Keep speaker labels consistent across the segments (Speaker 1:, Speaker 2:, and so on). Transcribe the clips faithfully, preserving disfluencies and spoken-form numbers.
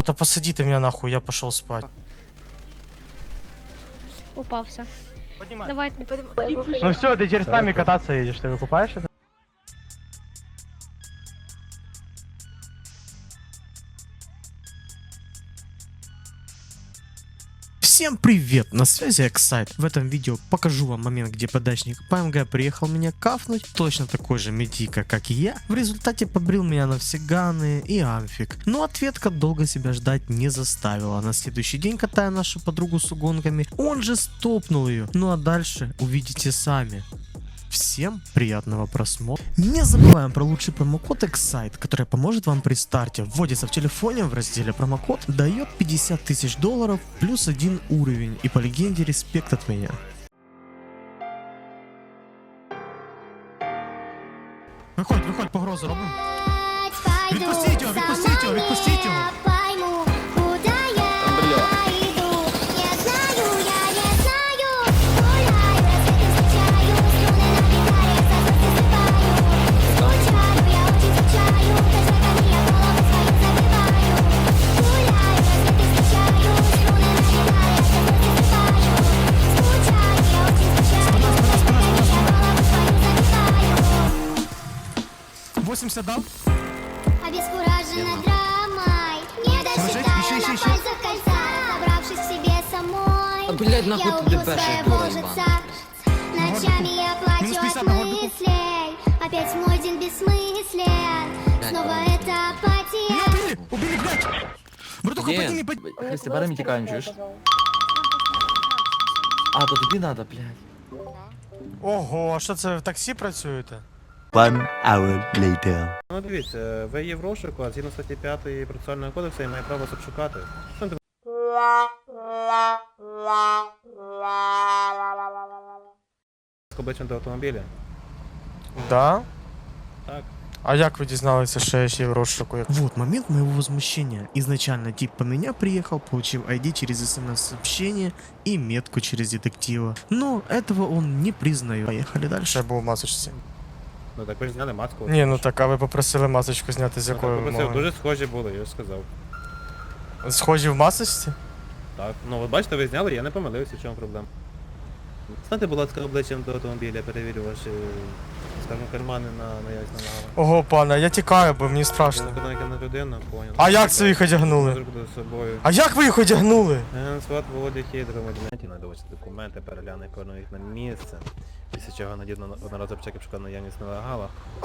Speaker 1: Да посади ты меня нахуй, я пошел спать.
Speaker 2: Упався.
Speaker 1: Поднимай.
Speaker 2: Давай, не поднимай.
Speaker 1: Ну все, ты теперь с нами кататься едешь, ты выкупаешь это? Всем привет, на связи Эксайт. В этом видео покажу вам момент, где подачник ПМГ приехал меня кафнуть, точно такой же медика, как и я. В результате побрил меня на все ганы и амфик. Но ответка долго себя ждать не заставила. На следующий день, катая нашу подругу с угонками, он же стопнул ее. Ну а дальше увидите сами. Всем приятного просмотра. Не забываем про лучший промокод Эксайт, который поможет вам при старте. Вводится в телефоне в разделе промокод, дает пятьдесят тысяч долларов плюс один уровень. И по легенде респект от меня. Виходь, виходь, погрозу робимо. Відпустіть його, відпустіть його, відпустіть його. восемьдесят дал?
Speaker 3: Обескуражена драмой, не досчитая на пальцах кольца, разобравшись в себе самой.
Speaker 4: Блядь, нахуй
Speaker 3: я
Speaker 4: ты
Speaker 3: убью
Speaker 4: дебешишь,
Speaker 3: своего
Speaker 4: дура
Speaker 3: лжеца.
Speaker 4: ебаная.
Speaker 3: Ночами я плачу от мыслей, опять мой день бессмыслен. Снова это апатия.
Speaker 1: Убили, убили, блядь! Братуха,
Speaker 4: Где?
Speaker 1: подними, подними.
Speaker 4: Христи, бери тікаємо, чуєш? А, то тобі надо, блядь.
Speaker 1: Ого, а що це, в таксі працюєте?
Speaker 5: One hour later.
Speaker 6: Ну дивіться, ви є в розшуку, а згідно статті п'ятої процесуального кодексу я маю право вас обшукати. Що ти з обличчям до автомобіля?
Speaker 1: Да?
Speaker 6: Так.
Speaker 1: А як ви дізналися, що я ще в розшуку? Вот момент моего возмущения. Изначально тип по меня приехал, получил ай ди через смс-сообщение и метку через детектива. Но этого он не признает. Поехали дальше. Я був в масочці.
Speaker 6: Ну так ви ж зняли маску.
Speaker 1: Ні, ну так, а ви попросили масочку зняти, з
Speaker 6: Ну, так
Speaker 1: якою
Speaker 6: попросив,
Speaker 1: вимогою?
Speaker 6: дуже схожі були, я ж сказав.
Speaker 1: Схожі в масочці?
Speaker 6: Так, ну от бачите, ви зняли, я не помилився, в чому проблема. Станьте, будь ласка, обличчям до автомобіля, перевірю ваші, скажімо, кармани на наявність на
Speaker 1: Ого, пане, я тікаю, бо мені страшно.
Speaker 6: на людину, понял.
Speaker 1: А як це ви їх одягнули?
Speaker 6: Зробили з собою.
Speaker 1: А як ви їх одягнули?
Speaker 6: Генсват Володя Хідро, модінаті, надавати документи, перегляне кожного їх на місце. Після чого надійно одноразово чеків шукав наявність нелегала.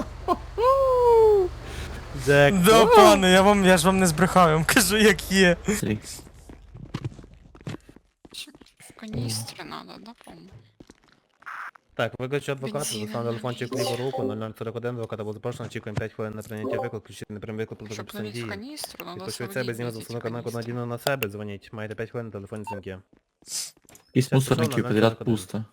Speaker 6: Джек.
Speaker 1: Да, пане, я вам, я ж вам не збрехав, я вам кажу, як є.
Speaker 7: В канистре надо, да, по-моему?
Speaker 6: Так, викличу адвоката,
Speaker 7: Бензин.
Speaker 6: достану телефончик в ліву руку, нуль нуль сорок один, адвоката було запрошено, очікуємо п'ять хвилин на прийняття виклик, включити не прийм виклик, продовжу
Speaker 7: Чтобы налить в
Speaker 6: дії.
Speaker 7: канистру, надо
Speaker 6: Відпочують
Speaker 7: свалить,
Speaker 6: себе, знімати
Speaker 7: блядь, эти
Speaker 6: установку на
Speaker 7: канистры.
Speaker 6: надійно на себе, дзвоніть. Маєте п'ять хвилин на телефонні дзвінки.
Speaker 4: Из
Speaker 6: Сейчас
Speaker 4: мусорників
Speaker 6: пішов на
Speaker 4: подряд
Speaker 6: ноль
Speaker 4: пусто.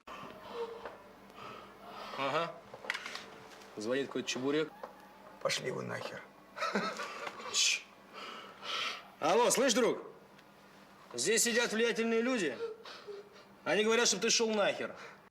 Speaker 8: Ага. Звонит какой-то чебурек.
Speaker 9: Пошли вы нахер.
Speaker 8: Алло, слышь, друг? Здесь сидят влиятельные люди. Они говорят, чтобы ты шел нахер.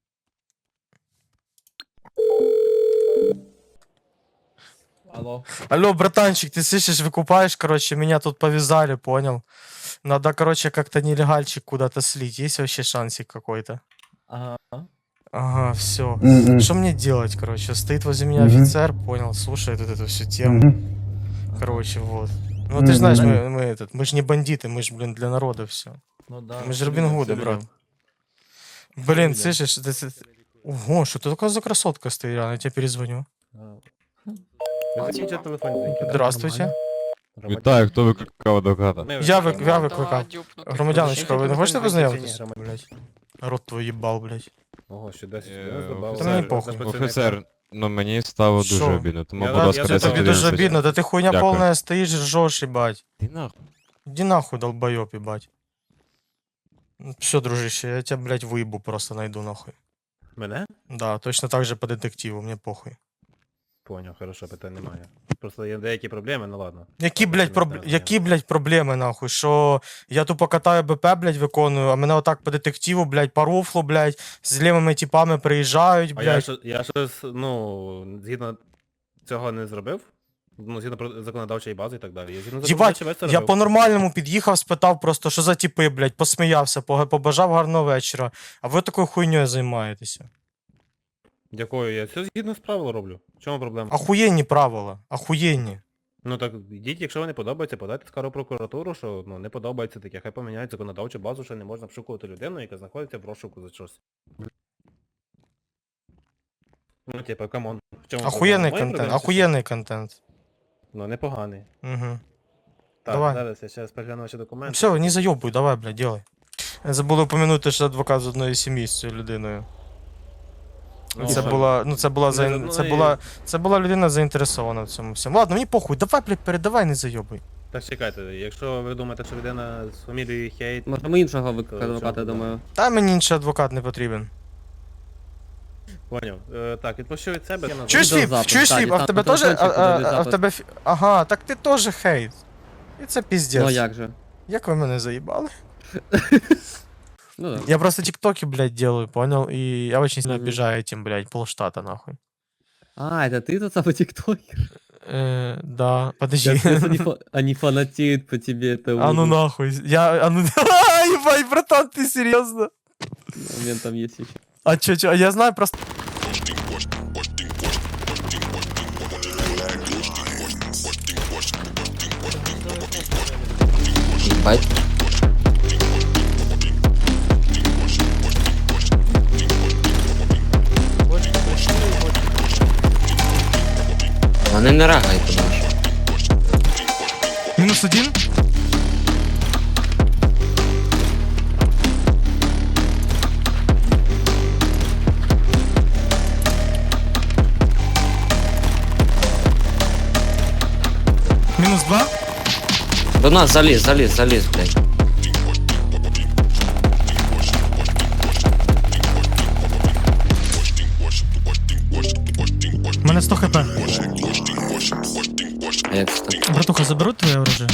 Speaker 4: Алло.
Speaker 1: Алло, братанчик, ты слышишь, выкупаешь, короче, меня тут повязали, понял? Надо, короче, как-то нелегальчик куда-то слить. Есть вообще шансик какой-то?
Speaker 4: Ага.
Speaker 1: Ага, все.
Speaker 9: Мгм.
Speaker 1: Что мне делать, короче? Стоит возле меня
Speaker 9: Мгм.
Speaker 1: офицер, понял, слушает вот эту всю тему.
Speaker 9: Мгм.
Speaker 1: Короче, вот. Ну ты ж знаешь,
Speaker 9: Мгм.
Speaker 1: мы, мы этот, мы ж не бандиты, мы ж, блин, для народа все.
Speaker 4: Ну да.
Speaker 1: Мы же Робин Гуды, брат. Блин,
Speaker 4: видим.
Speaker 1: слышишь, это, это- Ого, что ты такая за красотка стоит, я тебе перезвоню.
Speaker 6: Ви закінчите телефонні дзвінки.
Speaker 1: Здравствуйте.
Speaker 10: Вітаю, хто викликав адвоката?
Speaker 6: Ми
Speaker 1: Я,
Speaker 6: викликали.
Speaker 1: вик, я
Speaker 7: Да,
Speaker 1: викликав.
Speaker 7: дюпнутый.
Speaker 1: Громадяночка, ви не хочете познайомитись?
Speaker 6: Громадян.
Speaker 1: Блять. Рот твой їбал, блять.
Speaker 6: Ого, ще десять
Speaker 10: Е,
Speaker 6: хвилин добавили.
Speaker 1: Та мені похуй.
Speaker 10: Офіцер, ну мені стало дуже
Speaker 1: Що?
Speaker 10: обідно, тому,
Speaker 6: Я-
Speaker 10: будь
Speaker 6: я
Speaker 10: ласка,
Speaker 6: за
Speaker 1: Це
Speaker 10: десять
Speaker 1: тобі дуже
Speaker 10: одинадцять.
Speaker 1: обідно, да ти хуйня
Speaker 10: Дякую.
Speaker 1: повна стоїш, ржеш, їбать.
Speaker 10: Ти нахуй.
Speaker 1: Іди нахуй, долбойоб, їбать. Все, дружище, я тебя, блядь, выебу просто найду нахуй.
Speaker 6: Мене?
Speaker 1: Да, точно так же по детективу, мне похуй.
Speaker 6: Поняв, хорошо, питань немає. Просто є деякі проблеми, ну ладно.
Speaker 1: Які,
Speaker 6: Ладно,
Speaker 1: блядь,
Speaker 6: не
Speaker 1: проб...
Speaker 6: знаю,
Speaker 1: Які, блядь, проблеми, нахуй? Що я тупо катаю БП, блядь, виконую, а мене отак по детективу, блядь, по руфлу, блядь, з лівими типами приїжджають,
Speaker 6: А я,
Speaker 1: блядь.
Speaker 6: що- я щось, ну, згідно цього не зробив? Ну, згідно про законодавчої бази і так далі. Я згідно
Speaker 1: Єбать,
Speaker 6: законодавчої бази це
Speaker 1: я
Speaker 6: робив.
Speaker 1: по-нормальному під'їхав, спитав просто, що за типи, блядь, посміявся, пога- побажав гарного вечора. А ви такою хуйньою займаєтеся.
Speaker 6: Дякую, я все згідно з правил роблю. В чому проблема?
Speaker 1: Ахуєнні правила, ахуєнні.
Speaker 6: Ну так йдіть, якщо вам не подобається, подайте скаргу в прокуратуру, що ну не подобається таке, хай поміняють законодавчу базу, що не можна обшукувати людину, яка знаходиться в розшуку за щось. Ну, типа, камон. В чому
Speaker 1: Ахуєнний
Speaker 6: проблема? Моя
Speaker 1: контент,
Speaker 6: проблема чи що?
Speaker 1: ахуєнний контент.
Speaker 6: Ну, непоганий.
Speaker 1: Угу.
Speaker 6: Так,
Speaker 1: Давай.
Speaker 6: зараз я ще перегляну ваші документи.
Speaker 1: Все, не зайобуй, давай, блядь, делай. Забули упомянути, що адвокат з одної сім'ї з цією людиною.
Speaker 6: Ну,
Speaker 1: Це
Speaker 6: що?
Speaker 1: була, ну це була,
Speaker 6: Не
Speaker 1: за...
Speaker 6: з одної-
Speaker 1: це була, це була людина заінтересована в цьому всьому. Ладно, мені похуй, давай, блядь, передавай, не зайобуй.
Speaker 6: Так чекайте, якщо ви думаєте, що людина з фамілією Хейт...
Speaker 11: Можемо іншого
Speaker 6: То
Speaker 11: викликати
Speaker 6: в
Speaker 11: адвоката,
Speaker 6: чому
Speaker 11: думаю.
Speaker 1: Та мені інший адвокат не потрібен.
Speaker 6: Поняв. Е, так, відпущу від себе. я
Speaker 1: Чуєш,
Speaker 6: назву.
Speaker 1: Фіп,
Speaker 11: Відеозапис,
Speaker 1: чуєш,
Speaker 11: так,
Speaker 1: Фіп, а в
Speaker 11: там
Speaker 1: тебе
Speaker 11: по
Speaker 1: теж, а,
Speaker 11: телефончику
Speaker 1: а, а в
Speaker 11: відеозапис.
Speaker 1: тебе, фі- ага, так ти теж хейт. І це піздець.
Speaker 11: Ну а як же?
Speaker 1: Як ви мене заїбали?
Speaker 11: Ну да.
Speaker 1: Я просто тиктоки, блядь, делаю, понял? И я очень сильно
Speaker 11: Мгм.
Speaker 1: обижаю этим, блядь, полштата, нахуй.
Speaker 11: А, это ты тот самый тиктокер?
Speaker 1: Э, да, подожди.
Speaker 11: Капец, они, фа- они фанатеют по тебе, это
Speaker 1: А ну
Speaker 11: ужас.
Speaker 1: нахуй. Я, а ну, ебать, братан, ты серьезно?
Speaker 11: Момент там есть еще.
Speaker 1: А чё, чё, я знаю просто...
Speaker 11: Ебать. Вони не рагають туди.
Speaker 1: Минус один? Минус два?
Speaker 11: До нас заліз, заліз, заліз, блядь.
Speaker 1: У мене сто хп.
Speaker 11: А як це так?
Speaker 1: Братуха, заберут твоє оружие?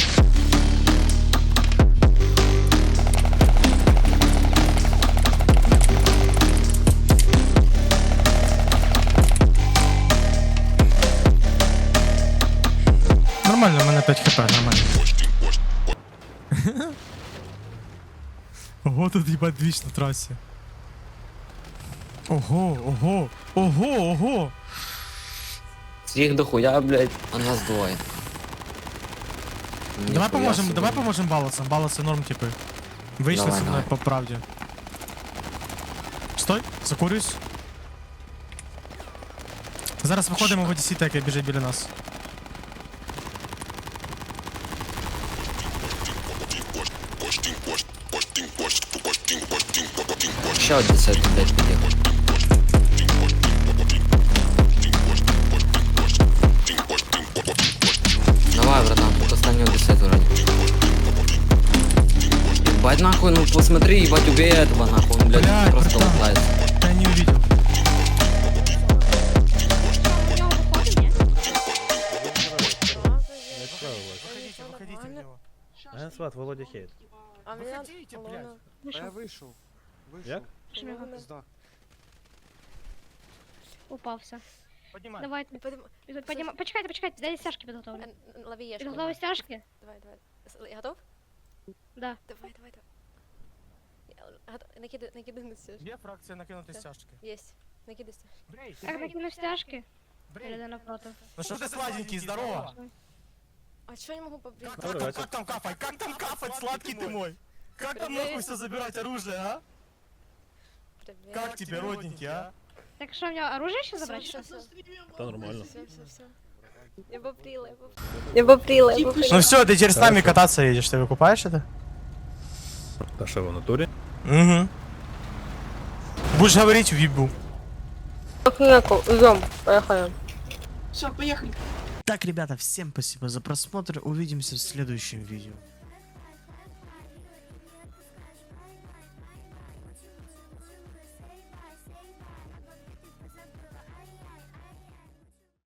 Speaker 1: Нормально, у мене п'ять хп, нормально. Ого, тут їбать двіч на трасі. Ого, ого, ого, ого.
Speaker 11: Їх дохуя, блядь, а нас двоє.
Speaker 1: Давай
Speaker 11: Ніхуя
Speaker 1: поможем,
Speaker 11: собі.
Speaker 1: давай поможем балансам, балансы норм типы. Вышли
Speaker 11: Давай,
Speaker 1: со мной
Speaker 11: давай.
Speaker 1: по правде. Стой, закурюсь. Зараз виходимо в Одесі, так біжить біля нас.
Speaker 11: Ще один десять, блядь, під'їхав. Давай, братан, тут останнього десять вроде. Ебать нахуй, ну посмотри, ебать, убей этого нахуй, он, блядь,
Speaker 1: Блядь,
Speaker 11: просто
Speaker 1: братан.
Speaker 11: лутается.
Speaker 1: Я не увидел.
Speaker 2: У нього виходить, ні?
Speaker 1: Выходите, выходите в него.
Speaker 6: Мене звати Володя Хейт.
Speaker 1: Выходите, блядь.
Speaker 2: Вийшов.
Speaker 9: вышел.
Speaker 6: Як?
Speaker 2: Що його упався.
Speaker 1: Поднимай.
Speaker 2: Давайте. Піднімай. Почекайте, почекайте, дай стяжки підготовлю. Підготовлю стяжки?
Speaker 12: Давай, давай. Готов?
Speaker 2: Да.
Speaker 12: Давай, давай, давай. Накидай, накидай на стяжки.
Speaker 1: Где фракция накинутой стяжки?
Speaker 12: Есть. Накидай стяжки.
Speaker 1: Брей,
Speaker 2: Так, накину стяжки.
Speaker 1: брей.
Speaker 2: Перейди напротив.
Speaker 1: Ну что ты сладенький, здорово.
Speaker 12: А чё я не могу побрить?
Speaker 1: Как, как, там, как там кафать, как там кафать, сладкий ты мой? Как там нахуй все забирать оружие, а?
Speaker 12: Привет.
Speaker 1: Как тебе, родненький, а?
Speaker 2: Так що, у нього оружие ще забрати?
Speaker 12: Всё,
Speaker 2: Що?
Speaker 12: всё.
Speaker 6: Та нормально.
Speaker 12: Всё, всё, всё. Я побрила, я побрила. Я побрила, я побрила.
Speaker 1: Ну все, ты теперь с нами кататься едешь, ты выкупаешь это?
Speaker 6: Та що в натурі?
Speaker 1: Угу. Будешь говорить в вибу.
Speaker 12: Идем, поехали.
Speaker 1: Так, ребята, всем спасибо за просмотр. Увидимся в следующем видео.